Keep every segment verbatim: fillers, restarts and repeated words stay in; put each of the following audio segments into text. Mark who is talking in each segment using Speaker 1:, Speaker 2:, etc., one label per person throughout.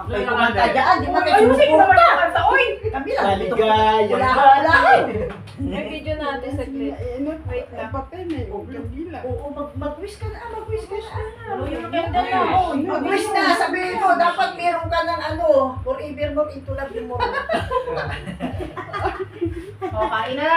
Speaker 1: May kumanta dyan, di ba kayo
Speaker 2: Ayusin mo naman
Speaker 1: sumuporta?
Speaker 2: yung kanta, oy!
Speaker 1: Kami lang, dito.
Speaker 3: Maligaya.
Speaker 1: Wala ka, wala ka.
Speaker 2: May video natin sa clip.
Speaker 4: Wait lang. Papel na yung gila.
Speaker 1: Oo, mag- mag-wish ka na, mag-wish ka na.
Speaker 2: Ano yung maganda na?
Speaker 1: Mag-wish na, sabihin mo, dapat meron ka ng ano, forevermore into love you more.
Speaker 2: O, kain na!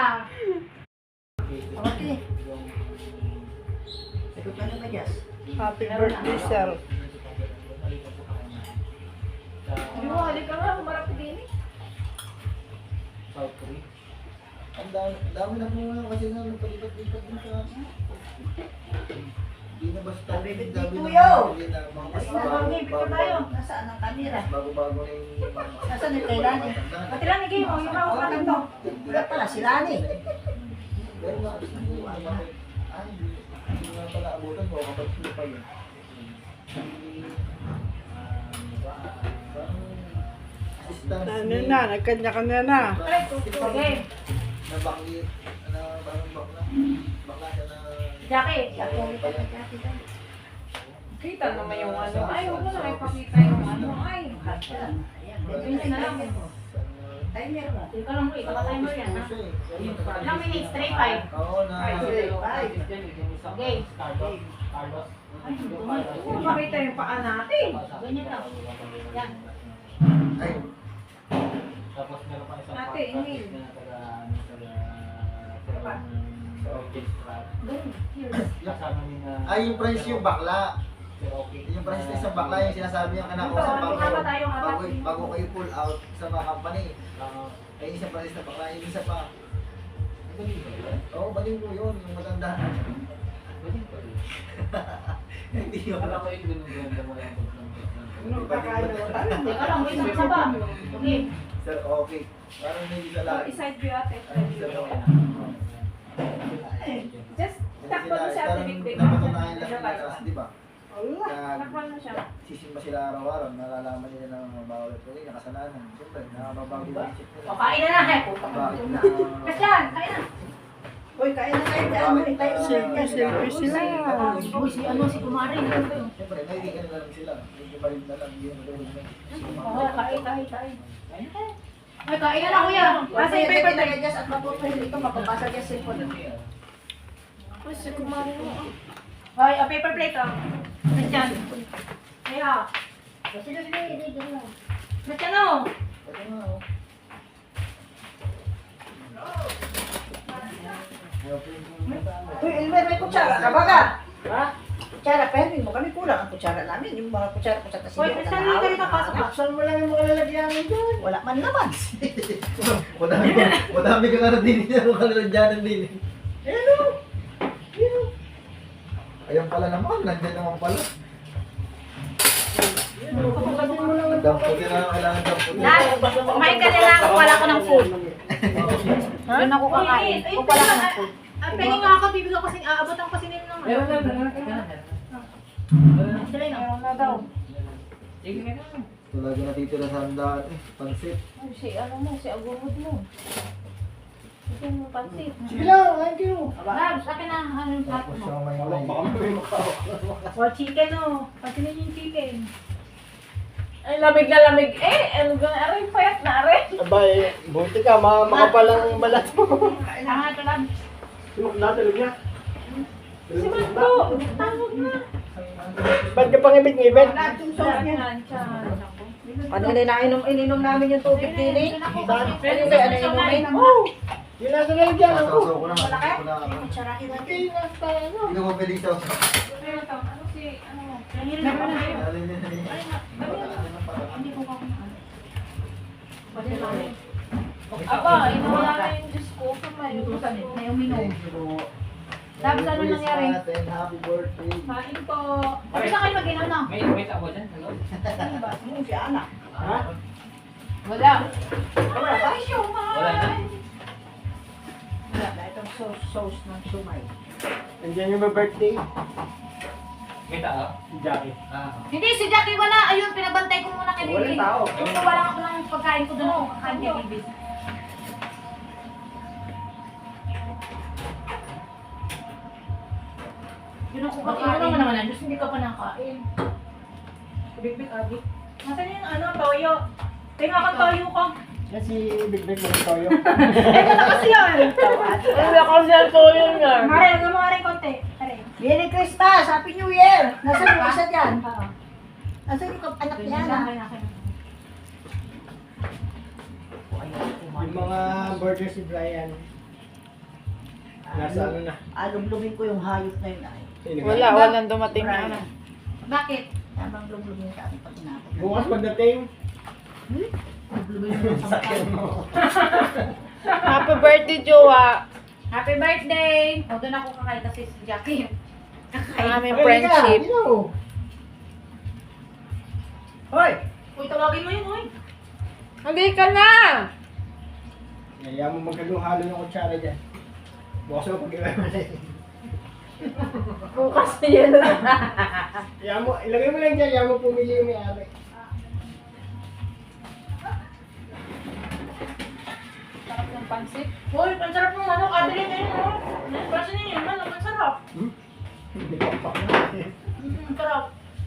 Speaker 1: Okay. Sagot ka na ba, Jess?
Speaker 4: Happy birthday, sir.
Speaker 2: Hindi mo, halik ka nga, humarap ka din eh.
Speaker 3: South Korea. Ang dami, dami na po kasi na nagpalipat-lipat din sa hindi na basta
Speaker 1: Sabi,
Speaker 3: dami
Speaker 1: Bit
Speaker 3: na
Speaker 1: Kuyo.
Speaker 3: hindi na mga
Speaker 1: Mas
Speaker 3: bago-
Speaker 1: nabanggi,
Speaker 3: bago-
Speaker 1: picture tayo. Nasaan ang kamera?
Speaker 3: Bago-bago na yung
Speaker 1: Nasaan yung Leilani?
Speaker 2: Pati lang, igay mo, yung mga kanin mo.
Speaker 1: Wala pala, si Lani.
Speaker 3: pero nga, hindi nga bakit ay, hindi nga pala abutan ko kapag sila pa yun.
Speaker 4: Ano na, nagkanya-kanya na.
Speaker 2: Okay.
Speaker 3: Nabanggi, ano, parang bakla. Bakla siya na...
Speaker 2: Jackie. Kita naman yung ano. Ay, huwag mo na ipakita yung ano. Ay, yun na lang.
Speaker 1: Timer mo.
Speaker 2: Hindi ka lang mo, ipaka-timer yan, ha? Ilang minutes? three five.
Speaker 3: Oo na.
Speaker 1: Ay, ay.
Speaker 2: Okay. Ay, huwag mo makita yung paa natin. Ganyan lang. Yan.
Speaker 3: Ay,
Speaker 5: Tapos meron pa isang
Speaker 2: Ate, inhale.
Speaker 5: na taga ano taga sa orchestra.
Speaker 2: Ganun. Here.
Speaker 5: Kasama ni na
Speaker 3: ay yung price yung bakla.
Speaker 5: si Rocky.
Speaker 3: Yung price na isang bakla yung sinasabi yung anak ko
Speaker 2: Ito,
Speaker 3: sa bago.
Speaker 2: kasama tayong apat.
Speaker 3: Bago, bago kayo pull out sa mga company.
Speaker 5: Ah,
Speaker 3: Ay isang price na bakla, yung isa pa.
Speaker 5: galing ba yun?
Speaker 3: Oo, baliw ko yun, yung matanda.
Speaker 5: Galing pa rin.
Speaker 3: Hindi yun.
Speaker 5: Alam ko yung ganun-ganda mo lang.
Speaker 4: Ano, kakain na tayo.
Speaker 2: Teka lang, wait, isa pa. Okay.
Speaker 3: Sir, okay. Parang may isa lang.
Speaker 2: Oh, iside view ate.
Speaker 3: Sir, okay.
Speaker 2: Just takbo mo siya ate Big.
Speaker 3: Napatunayan lang nila kasi, di ba?
Speaker 4: Wala.
Speaker 3: Kaya
Speaker 2: Takbo mo siya.
Speaker 3: sisimba sila araw-araw, nalalaman nila ng mga bawal at wala, nakasalanan. Siyempre, nakababago yung isip nila.
Speaker 2: O, kain na na. eh.
Speaker 3: Bakit na?
Speaker 2: Kasyan, kain na.
Speaker 1: Uy, kain na kayo dyan. Uy, tayo na
Speaker 4: Selfie, selfie sila.
Speaker 2: Uy, si ano, si Kumari.
Speaker 3: Siyempre, naiigan na lang sila. Hindi pa rin na lang, hindi na tulog na.
Speaker 2: Oo, kain, kain, kain. Ay, kain na lang kuya. Kasi yung paper
Speaker 1: tayo
Speaker 2: tayo.
Speaker 1: Jess at mapupahil ito, mapapasa niya sa cellphone.
Speaker 2: Uy, si Kumari mo. Ay, a paper plate oh. Kasyan. Kaya. Sige, sige, sige. Kasyan oh.
Speaker 3: Ito nga, oh.
Speaker 1: Uy, Elmer, may kutsara ka ba ka? Ha? Kutsara, pahirin mo kami kulang ang kutsara namin. Yung mga kutsara ko sa tasin.
Speaker 2: Uy, kasyan hindi ka rin napasok.
Speaker 1: Buksan mo lang yung mga lalagyan mo dyan. Wala man naman.
Speaker 3: Madami, madami ka nga din niya kung kalalagyanan din.
Speaker 1: Hello. Hello.
Speaker 3: Ayan pala naman, nandiyan naman pala.
Speaker 1: Kapagkasin mo lang ang
Speaker 3: Damputin na kailangan damputin.
Speaker 2: Dad, kumain ka na lang. Wala ko ng food. Doon ako kakain. Kung wala ka ng food. Ang pengi nga ako, bibigyan ko kasi, aabot ang kasi nila naman.
Speaker 5: Meron na, meron na.
Speaker 2: Sila na. Meron na daw.
Speaker 5: Sige na.
Speaker 3: Talaga natitira sa handaan eh, pansit.
Speaker 2: Ay, si ano mo, si agumod mo. Ito mo pansit.
Speaker 1: Sige lang, thank you.
Speaker 2: Dad, sa akin na, ano yung plato
Speaker 3: Tapos
Speaker 2: mo?
Speaker 3: siya may may.
Speaker 2: O, chicken oh. Pansinin yung chicken.
Speaker 6: Ay, lamig na lamig. Eh, ano gano'n? Aray, payat na aray.
Speaker 3: Abay, buti ka, mga makapalang balat mo.
Speaker 2: Tama ito lang.
Speaker 3: Natulog niya.
Speaker 6: Simento! Tawag na.
Speaker 3: Ba't ka pang ibig-ibig?
Speaker 1: Lahat yung sauce niya.
Speaker 2: Yan, yan.
Speaker 1: Ano na inainom, ininom namin yung tubig din eh.
Speaker 2: Ano
Speaker 1: Ano ba, ano inumin?
Speaker 3: Oh! Yun lang sa lalagyan ako. ko na.
Speaker 2: Malaki?
Speaker 3: Ko na.
Speaker 1: Kutsarahin natin.
Speaker 3: Hindi ko pwedeng sauce.
Speaker 2: Ano si, ano mo? Nangirin ako na yun. Hindi ko pa kumakas. Pwede namin.
Speaker 6: Aba, inuwala na yung Diyos ko. Kamay.
Speaker 2: Na yung minom. Tapos ano nangyari?
Speaker 3: Happy birthday.
Speaker 2: Kain po. Sabi na kayo mag-inom na.
Speaker 5: May wait ako dyan. Hello?
Speaker 1: Ano ba? Sino si anak?
Speaker 3: Ha?
Speaker 2: Wala.
Speaker 1: Wala ba?
Speaker 5: Wala na.
Speaker 1: Wala na itong sauce, sauce ng sumay.
Speaker 3: Nandiyan yung may birthday.
Speaker 5: Kita ah.
Speaker 3: Si Jackie.
Speaker 5: Ah.
Speaker 2: Hindi, si Jackie wala. Ayun, pinabantay ko muna kay Bibi.
Speaker 3: Walang tao.
Speaker 2: Kung wala ako ng pagkain ko doon, kakain kay Bibi. Yun ako kakain. Ano naman ang Diyos, hindi ka pa nakain. Big-big, abi. Nasaan yung ano, toyo? Tingnan ko toyo ko.
Speaker 5: Kasi Big Big mo tayo.
Speaker 2: Eh, wala kasi yan.
Speaker 6: Wala kasi ang toyo niya.
Speaker 2: Mare, huwag mo rin konti. Mare.
Speaker 1: Merry Christmas! Happy New Year! Nasaan yung isa dyan? Nasaan yung kap- anak niya na?
Speaker 2: Akin, akin.
Speaker 5: Yung mga burger si Brian. Nasa ano na.
Speaker 1: Alumlumin ko yung hayop na yun ay.
Speaker 5: Sino ka?
Speaker 6: Wala, walang dumating na ano.
Speaker 2: Bakit?
Speaker 1: Tamang lumlumin sa ating pag inabot.
Speaker 5: Bukas pagdating.
Speaker 1: Lumlumin mo sa
Speaker 5: Sakyan mo.
Speaker 6: Happy birthday, Jowa.
Speaker 2: Happy birthday! O, doon ako kakain kasi si Jackie.
Speaker 6: Ang aming
Speaker 5: Ay,
Speaker 6: friendship.
Speaker 5: ka, ino.
Speaker 1: Hoy!
Speaker 2: Uy, tawagin mo yun, uy.
Speaker 6: Hindi ka na!
Speaker 5: Kaya mo magkaguhalo ng kutsara dyan. Bukas mo pag-iwan mo na yun.
Speaker 6: Bukas na yun.
Speaker 5: Kaya mo, ilagay mo lang dyan, kaya mo pumili yung may-ari.
Speaker 6: Sarap ng pansit.
Speaker 2: Uy, ang sarap ng manok. Adeline na yun, oh. Pansin niyo yung manok, ang sarap.
Speaker 5: Hindi ko pa.
Speaker 2: Mm, ang sarap.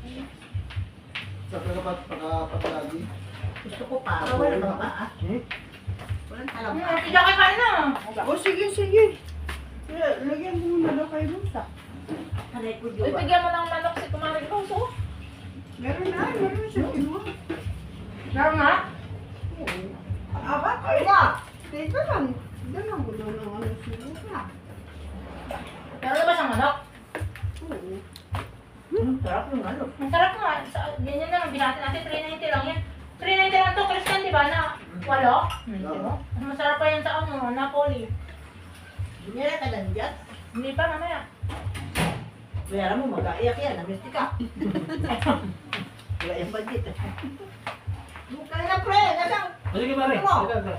Speaker 3: Sa pagkapat, pagkapatalagi.
Speaker 1: Gusto ko pa. Wala na ba? ah?
Speaker 5: Hmm?
Speaker 1: Walang alam
Speaker 2: Mm,
Speaker 1: pa.
Speaker 2: si Jackie kain na.
Speaker 4: O sige, sige. Kaya, lagyan mo muna daw kayo dun sa.
Speaker 1: Aray ko,
Speaker 6: Uy,
Speaker 1: Jowa.
Speaker 6: bigyan mo ng manok si Kumaring Roso.
Speaker 4: Meron na, meron siya kinuha.
Speaker 2: Meron nga?
Speaker 4: Aba,
Speaker 1: Ay na!
Speaker 4: teka lang. Dala mo daw ng ano sinuha.
Speaker 2: Meron na ba siyang manok?
Speaker 4: Oo.
Speaker 1: Hmm, sarap yung ano.
Speaker 2: Ang sarap nga. Sa- Ganyan lang, binati natin, three ninety lang yan. three ninety lang to, Christian, di ba? Na, walo?
Speaker 1: Hindi mo?
Speaker 2: Mas masarap pa yan sa ano, Napoli.
Speaker 1: Bumira ka lang dyan.
Speaker 2: Hindi pa, mamaya.
Speaker 1: Kaya mo, mag-aiyak yan. Namisti ka. Wala yung budget. Mukha na, pre. Nasaan?
Speaker 5: Sige, pare.
Speaker 1: Ano?
Speaker 5: Ito, ito.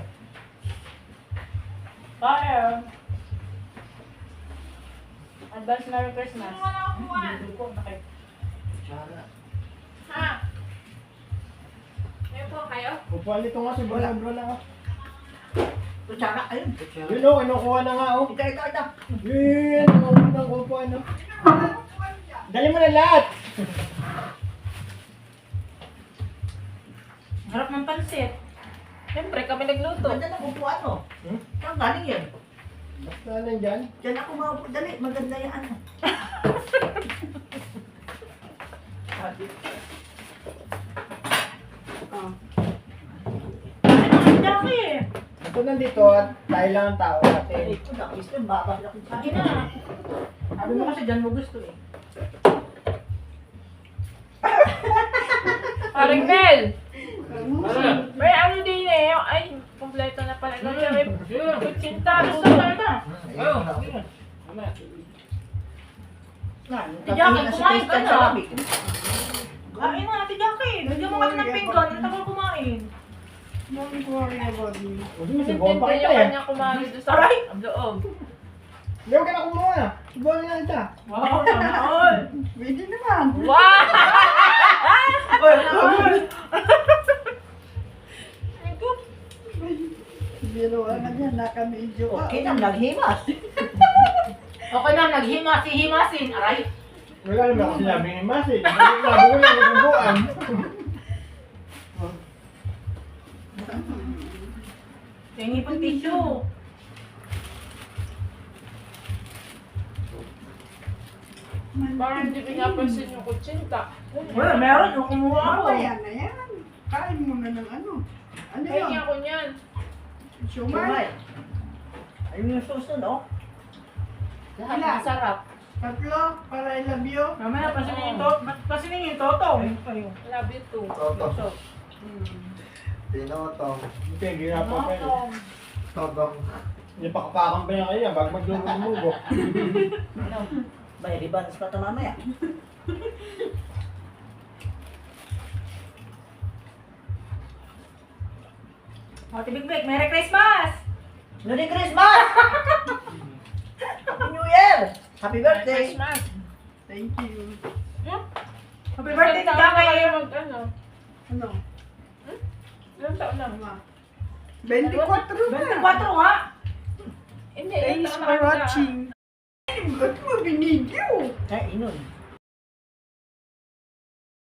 Speaker 6: Bye. Advance Merry Christmas.
Speaker 2: Ano na ako kuha? Ha? Ayun po kayo?
Speaker 5: Upuan nito nga si Brian bro na.
Speaker 1: Kutsara, ayun.
Speaker 5: Yun o, kinukuha na nga o.
Speaker 1: Ito, ito, ito.
Speaker 5: Yun, kinukuha ng upuan o. Dali mo na lahat.
Speaker 2: Harap ng pansit.
Speaker 6: Siyempre, kami nagluto.
Speaker 1: Ganda ng upuan mo.
Speaker 5: Hmm?
Speaker 1: Saan galing yan?
Speaker 5: Basta nandyan.
Speaker 1: Diyan ako maupo. Dali, maganda yan. Ano? Sabi.
Speaker 4: Ah.
Speaker 2: Ano ang Jackie?
Speaker 5: Ito nandito at tayo lang ang tao
Speaker 1: Ay,
Speaker 5: natin.
Speaker 1: ito na. Gusto yung babas na kutsara.
Speaker 2: Sige na. Sabi mo kasi dyan mo gusto eh.
Speaker 6: Paring Mel!
Speaker 5: Ano?
Speaker 6: May ano din eh. Ay, kompleto na pala. May kutsinta.
Speaker 2: Gusto ko ito.
Speaker 5: Ayun.
Speaker 2: Si Jackie, kumain ka na.
Speaker 1: Sabi.
Speaker 2: Kain na, Ate Jackie. Bigyan mo kasi ng pinggan. Ang tagal kumain.
Speaker 4: Don't worry about me.
Speaker 5: Huwag mo subuhan pa
Speaker 6: Hindi
Speaker 5: kita
Speaker 6: yung
Speaker 5: eh.
Speaker 6: kanya kumari doon sa
Speaker 2: Aray!
Speaker 6: loob.
Speaker 5: Hindi, huwag ka na kumuha. Subuhan na kita.
Speaker 2: Wow, sana all.
Speaker 4: Pwede naman.
Speaker 6: Wow!
Speaker 4: Biro ka dyan, nakamedyo ka.
Speaker 1: Okay na, naghimas.
Speaker 2: Okay na, naghimas-himasin. Aray.
Speaker 5: Wala naman ako sinabi ni Mas eh. Sabi ko lang, nagbubuan.
Speaker 2: Tingi pang tissue.
Speaker 6: Parang hindi pinapansin yung kutsinta.
Speaker 2: Wala, meron. Yung kumuha ako.
Speaker 4: Mamaya na yan. Kain mo na ng ano. Ano
Speaker 6: Ay,
Speaker 4: yun?
Speaker 6: niya ako niyan.
Speaker 4: Sumay.
Speaker 1: Sumay. Ayun yung susunod, oh.
Speaker 6: Lahat
Speaker 4: Ilan?
Speaker 6: masarap.
Speaker 4: Tatlo, para I love you.
Speaker 2: Mamaya, pasinin yung toto. Pasinin yung toto.
Speaker 6: Love you too.
Speaker 3: Toto.
Speaker 4: Hmm.
Speaker 3: Tinotong.
Speaker 5: Hindi, ginapan pa yun.
Speaker 3: Totong.
Speaker 5: Hindi pa kapakan pa yan kayo, bago maglumugo.
Speaker 1: Ano? May ribbons pa ito mamaya.
Speaker 2: Ate Big Big, Merry Christmas!
Speaker 1: Merry Christmas! Happy New Year! Happy birthday!
Speaker 6: Christmas.
Speaker 4: Thank you.
Speaker 2: Happy birthday to
Speaker 6: Ilang taon na kayo
Speaker 2: Jackie!
Speaker 6: mag ano?
Speaker 4: Ano?
Speaker 6: Ilang taon na?
Speaker 4: Tama. twenty-four na.
Speaker 2: twenty-four nga!
Speaker 6: Hindi,
Speaker 4: Thanks
Speaker 6: ilang taon
Speaker 4: for
Speaker 6: na kayo?
Speaker 4: watching. Ba't mo binidyo?
Speaker 1: Ay, inon.